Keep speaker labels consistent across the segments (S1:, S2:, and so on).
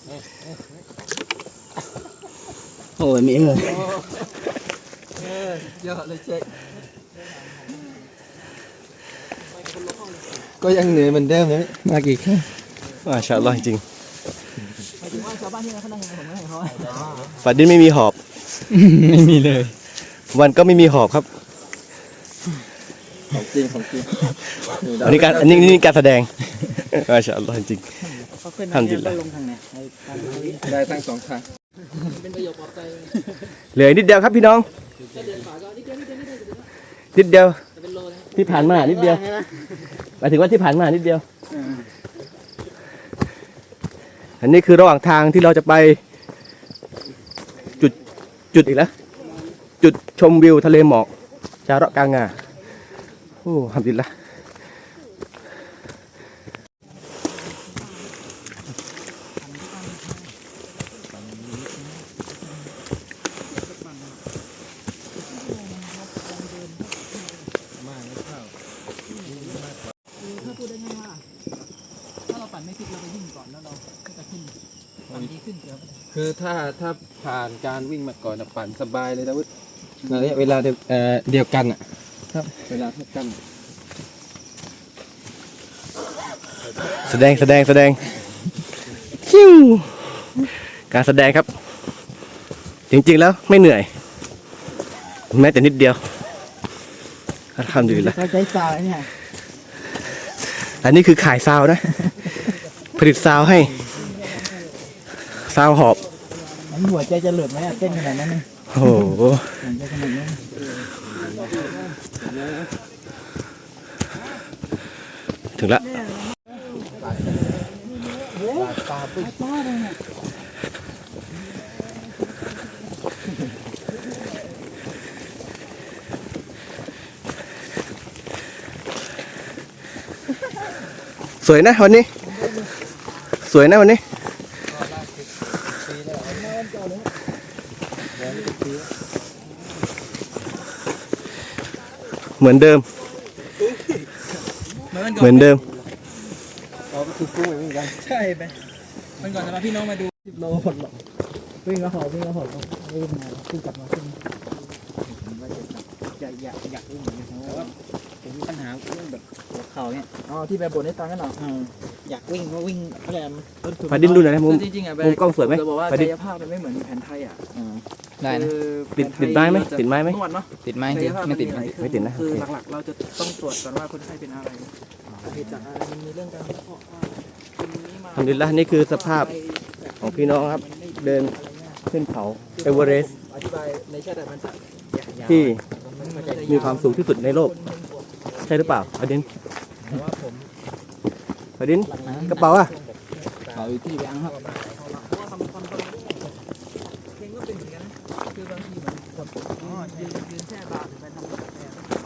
S1: โอ้ยมีเลย
S2: เยอะเลยเจ๊ก็ยังเหนื่อยเหมือนเดิมเลยมากี่ครั้ง
S3: มาชาอัลลอฮ์จริง
S2: หมายถึงว่าชาวบ้านที่เขานั่งยังไงผมไม่ให้เขา
S3: ฝันดินไม่มีหอบ
S1: ไม่มีเลย
S3: วันก็ไม่มีหอบครับ
S2: ของจริงของจริง
S3: อันนี้การแสดงมาชาอัลลอฮ์จริงทำดีแล้ว
S2: ได้ทั้งสองทาง
S4: เป็นประโยคปลอบใจ
S3: เหลือนิดเดียวครับพี่น้องนิดเดียวที่ผ่านมานิดเดียวหมายถึงว่าที่ผ่านมานิดเดียวอันนี้คือระหว่างทางที่เราจะไปจุดอีกแล้วจุดชมวิวทะเลหมอกจาระกางงาโอ้ทำดีละ
S4: ถ้าพูดได้ง่ายว่าถ้าเราปั่นไม่ฟิตเราไปวิ่งก่อนแล้วเราก็จะขึ้นปั่นดีขึ้นเดี๋ยว
S2: คือถ้าผ่านการวิ่งมาก่อนปั่นสบายเลยนะวุฒิระยะเวลาเดียวกันอ่ะครับเวลาเท่ากัน
S3: แสดงชิวการแสดงครับจริงๆแล้วไม่เหนื่อยแม้แต่นิดเดียวทำดีแล้ว
S4: ใช้ซาวเนี่ย
S3: อันนี้คือขายซาวนะผลิตซาวให้ซาวหอบ
S4: หัวใจจะหลุดไหมเต้นขนาดนั้น
S3: โอ้โหถึงละสวยนะวันนี้สวยนะวันนี้เหมือนเดิม
S2: เราก็คือกู้เหมือนกัน
S4: ใช่ไปมันก่อนจะมาพี่น้องมาดู10 โลหมดหรอกวิ่งก็หอบวิ่งมาขึ้นกลับมาขึ้นอยากวิ่งเหมือนกันแต่ว่าผมมีปัญหาเรื่องแบบหัวเข่าเนี่ยที่ไปบ่นให้ฟังกันหน่อยอยากวิ่งก็วิ่งอะไร
S3: พาดินดูหน่อยนะมุม
S4: จริงๆอ่ะ
S3: มุมกล้องสวยไหม
S4: จะบอกว่ากายภาพมันไม่เหมือนแผนไทยอ่ะ
S1: ได้นะ
S3: ติดไม้ไหมติดไม้ไหม
S4: นวดเนาะ
S1: ติดไม้ไม่ติด
S3: นะ
S4: คือหลักๆเราจะต้องตรวจก่อนว่าคนไข้เป็นอะไรเหตุจากอะไรมันมีเรื่องการวิเคราะห์ว่า
S3: ทำดีละนี่คือสภาพของพี่น้องครับเดินขึ้นเขาเอเวอเรสต์ที่มีความสูงที่สุดในโลกใช่หรือเปล่าอดินกระเป๋าอ่ะ
S1: เขาอยู่ที่ยังครับ
S4: เพลงก็เป็นเหมือนกันนะคือบางทีเหมือนยืนแช่บาร์ไปทำกาแฟ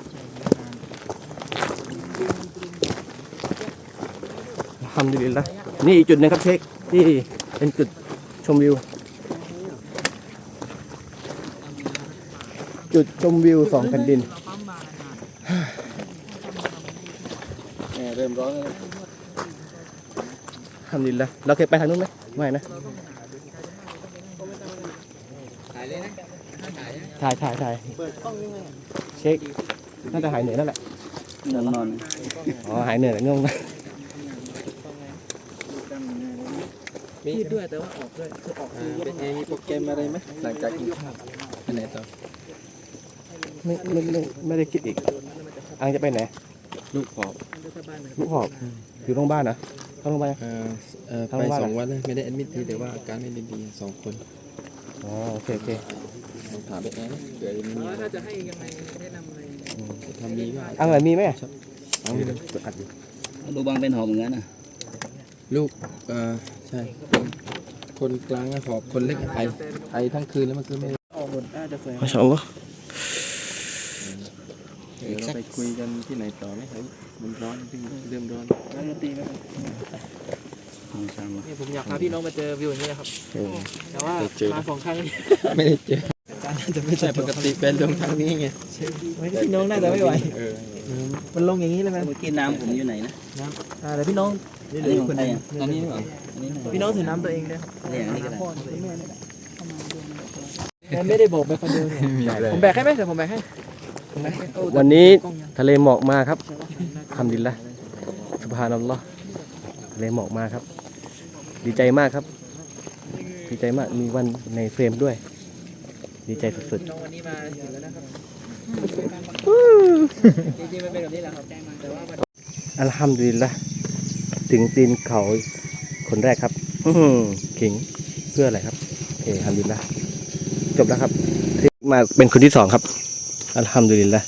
S3: ทำดีละนี่อีกจุดนึงครับเช็คที่เป็นจุดชมวิวจุดชมวิว2 แผ่นดิน
S2: เริ่มร้อนแล้ว
S3: ทำดีละเราเคยไปทางนู้นไหมไม่นะถ่ายเช็คน่าจะหายเหนื่อยนั่นแหละ
S1: นอน
S3: หายเหนื่อยแล้วงง
S4: มีด้วยแต่ว่าออกด้วยคือออก
S2: เป็นไงมีโปรแกรมอะไรไหมหลังจากกินข้าวไปไหนต่อ
S3: ไม่ได้คิดอีกอังจะไปไหน
S2: ลูกหอบ
S3: อยู่โรงพยาบาลนะเข้าโรงพยาบาล
S2: ไป2 วันเลยไม่ได้แอดมิททีแต่ว่าอาการไม่ได้ดี2 คน
S3: โอเค
S2: ถามไปแอนเกิดมี
S4: ถ้าจะให้ยังไงแนะนำอะไร
S2: ทำนี้ว่า
S3: อะไรมีไหม
S1: ลูกบางเป็นหอบเหมือนกันนะ
S2: ลูกใช่คนกลางหอบคนเล็กไอทั้งคืนแล้วมันคือไม่
S4: ออกหมดน่าจะสวย
S3: มาชมก็
S2: เราไปคุยกันที่ไหนต่อไหมครับมันร้อนเริ่มร้อน
S4: แล้วดนตรีไหมนี่ผมอยากพาพี่น้องมาเจอวิวอย่างนี้นะครับแต่ว่ามา2 ครั้ง
S2: ไม่ได้เจอจะไม่ใช่ปกติเป็นลงทางนี้ไง
S4: พี่น้องน่าจะไม่ไหวมันลงอย่างนี้เลยไหม
S1: เมื่อกี้น้ำผมอยู่ไหนนะ
S4: แต่พี่น้อง
S1: อันนี้ของใครอ่ะอันนี้เหรออันนี้
S4: พี่น้องถือน้ำตัวเองด้วยครับ
S1: เนี่ยอันนี้ก็ได้
S4: ไม่ได้บอกไปคนเดียวเนี่ยผมแบกให้ไหมเดี๋ยวผมแบกให้ผมแบกให้
S3: วันนี้ทะเลหมอกมาครับทำดินละสุบฮานัลลอฮ์ทะเลหมอกมาครับ ดีใจมากครับ ดีใจมากมีวันในเฟรมด้วย ดีใจสุด
S4: น้องวันนี้มาถึงแล้วนะครับจริงๆมันเป็นแบบนี้แหละครับแต่ว่า
S3: ๆอัลฮัมดุลิลละถึงตีนเขาคนแรกครับขิงเพื่ออะไรครับโอเคอัลฮัมดุลิลละจบแล้วครับมาเป็นคนที่สองครับอัลฮัมดุลิลละ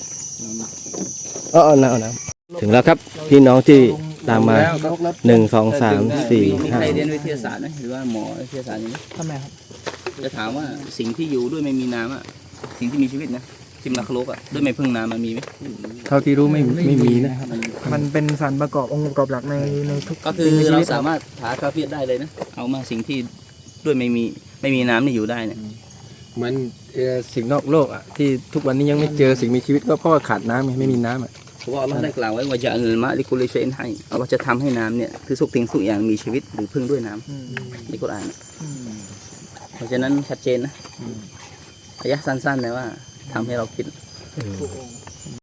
S3: เอาน้ำถึงแล้วครับพี่น้องที่ตามมา1 2 3 4
S1: มีใครเรียนวิทยาศาสตร์ไหมหรือว่าหมอวิทยาศาสตร์อย่างนี้
S4: ทำไมครับ
S1: จะถามว่าสิ่งที่อยู่ด้วยไม่มีน้ำอ่ะสิ่งที่มีชีวิตนะที่มันรักโลกอ่ะด้วยไม่พึ่งน้ำมันมีไหม
S2: เท่าที่รู้ไม่มีนะ
S4: มันเป็นสารประกอบองค์ประกอบหลักในทุก
S1: ก็คือเราสามารถหากาเฟียได้เลยนะเอามาสิ่งที่ด้วยไม่มีน้ำนี่อยู่ได้เนี่ย
S2: เหมือนสิ่งนอกโลกอ่ะที่ทุกวันนี้ยังไม่เจอสิ่งมีชีวิตก็เพราะว่าขาดน้ำไงไม่มีน้ำอ่ะ
S1: เพราะว่าอัลลอฮ์ได้กล่าวไว้ว่าจะอัลมะลิกุลิชัยอินให้อัลลอฮ์จะทำให้น้ำเนี่ยคือทุกสิ่งทุกอย่างมีชีวิตหรือพึ่งด้วยน้ำในกุรอานเพราะฉะนั้นชัดเจนนะอายะห์สั้นๆเลยว่าทำให้เราคิด